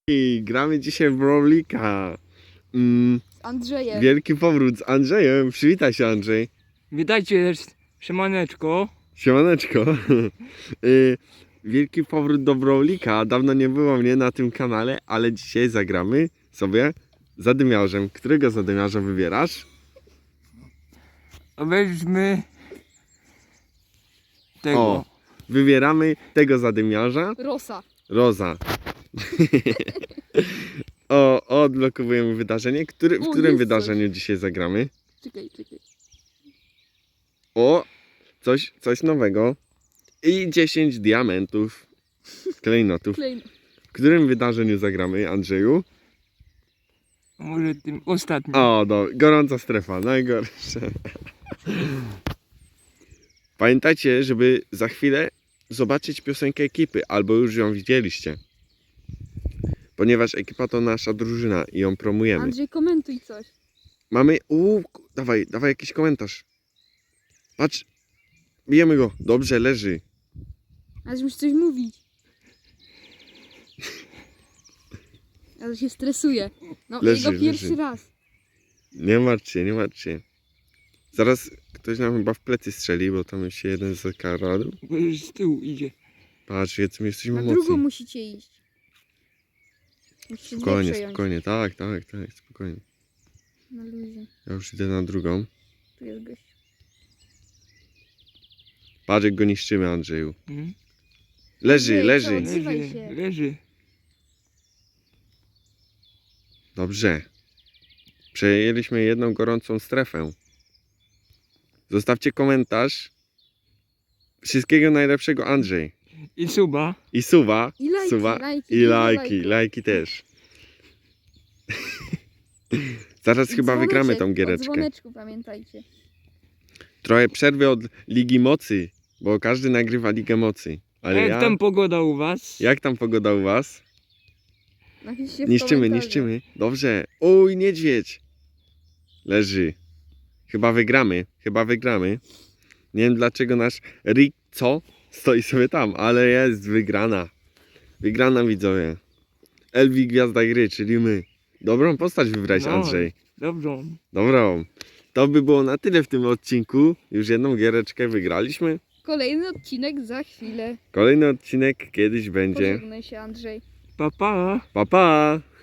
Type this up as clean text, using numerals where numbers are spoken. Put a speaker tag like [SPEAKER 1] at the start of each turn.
[SPEAKER 1] I gramy dzisiaj w Brawlika.
[SPEAKER 2] Z Andrzejem.
[SPEAKER 1] Wielki powrót z Andrzejem. Przywitaj się, Andrzej.
[SPEAKER 3] Witajcie, siemaneczko.
[SPEAKER 1] Siemaneczko. Wielki powrót do Brawlika. Dawno nie było mnie na tym kanale, ale dzisiaj zagramy sobie zadymiarzem. Którego zadymiarza wybierasz?
[SPEAKER 3] Weźmy tego.
[SPEAKER 1] O, wybieramy tego zadymiarza.
[SPEAKER 2] Rosa.
[SPEAKER 1] Roza. Odblokowujemy wydarzenie. W którym
[SPEAKER 2] jest
[SPEAKER 1] wydarzeniu dzisiaj zagramy?
[SPEAKER 2] Czekaj.
[SPEAKER 1] Coś nowego. I 10 diamentów. Klejnotów. W którym wydarzeniu zagramy, Andrzeju?
[SPEAKER 3] Może tym ostatnim.
[SPEAKER 1] Gorąca strefa, najgorsze. Pamiętajcie, żeby za chwilę zobaczyć piosenkę ekipy, albo już ją widzieliście. Ponieważ ekipa to nasza drużyna i ją promujemy.
[SPEAKER 2] Andrzej, komentuj coś.
[SPEAKER 1] Mamy... Dawaj jakiś komentarz. Patrz. Bijemy go. Dobrze, leży.
[SPEAKER 2] Aż musisz coś mówić. Ja się stresuję. No,
[SPEAKER 1] Leży,
[SPEAKER 2] jego pierwszy
[SPEAKER 1] leży.
[SPEAKER 2] raz.
[SPEAKER 1] Nie martw się. Zaraz ktoś nam chyba w plecy strzeli, bo tam się jeden zakradł.
[SPEAKER 3] Bo już z tyłu idzie.
[SPEAKER 1] Patrz, my jesteśmy
[SPEAKER 2] Na drugą
[SPEAKER 1] mocni.
[SPEAKER 2] musicie iść. Musicie dwie przejąć.
[SPEAKER 1] Spokojnie. Tak, spokojnie.
[SPEAKER 2] Na luzie.
[SPEAKER 1] Ja już idę na drugą.
[SPEAKER 2] Tu jest gość.
[SPEAKER 1] Patrz, jak go niszczymy, Andrzeju.
[SPEAKER 3] Hmm?
[SPEAKER 1] Leży.
[SPEAKER 2] Andrzej, co? Odzywaj się.
[SPEAKER 3] Leży.
[SPEAKER 1] Dobrze. Przejęliśmy jedną gorącą strefę. Zostawcie komentarz. Wszystkiego najlepszego, Andrzej.
[SPEAKER 3] I suba.
[SPEAKER 1] I suwa.
[SPEAKER 2] I lajki,
[SPEAKER 1] Suwa.
[SPEAKER 2] lajki,
[SPEAKER 1] I
[SPEAKER 2] dużo
[SPEAKER 1] lajki.
[SPEAKER 2] lajków.
[SPEAKER 1] Lajki też. Zaraz
[SPEAKER 2] I
[SPEAKER 1] chyba wygramy
[SPEAKER 2] dzwoneczek,
[SPEAKER 1] tą
[SPEAKER 2] o
[SPEAKER 1] giereczkę.
[SPEAKER 2] dzwoneczku pamiętajcie.
[SPEAKER 1] Trochę przerwy od Ligi Mocy, bo każdy nagrywa Ligę Mocy. Ale
[SPEAKER 3] Jak tam pogoda u was?
[SPEAKER 1] Jak tam pogoda u was?
[SPEAKER 2] Napiszcie w
[SPEAKER 1] Niszczymy. Dobrze. Oj, niedźwiedź. Leży. Chyba wygramy. Nie wiem dlaczego nasz Rico stoi sobie tam, ale jest wygrana. Wygrana, widzowie. Elvi gwiazda gry, czyli my. Dobrą postać wybrać,
[SPEAKER 3] No.
[SPEAKER 1] Andrzej.
[SPEAKER 3] Dobrą.
[SPEAKER 1] Dobrą. To by było na tyle w tym odcinku. Już jedną giereczkę wygraliśmy.
[SPEAKER 2] Kolejny odcinek za chwilę.
[SPEAKER 1] Kolejny odcinek kiedyś będzie.
[SPEAKER 2] Pożegnaj się, Andrzej.
[SPEAKER 3] Pa, pa.
[SPEAKER 1] Pa, pa!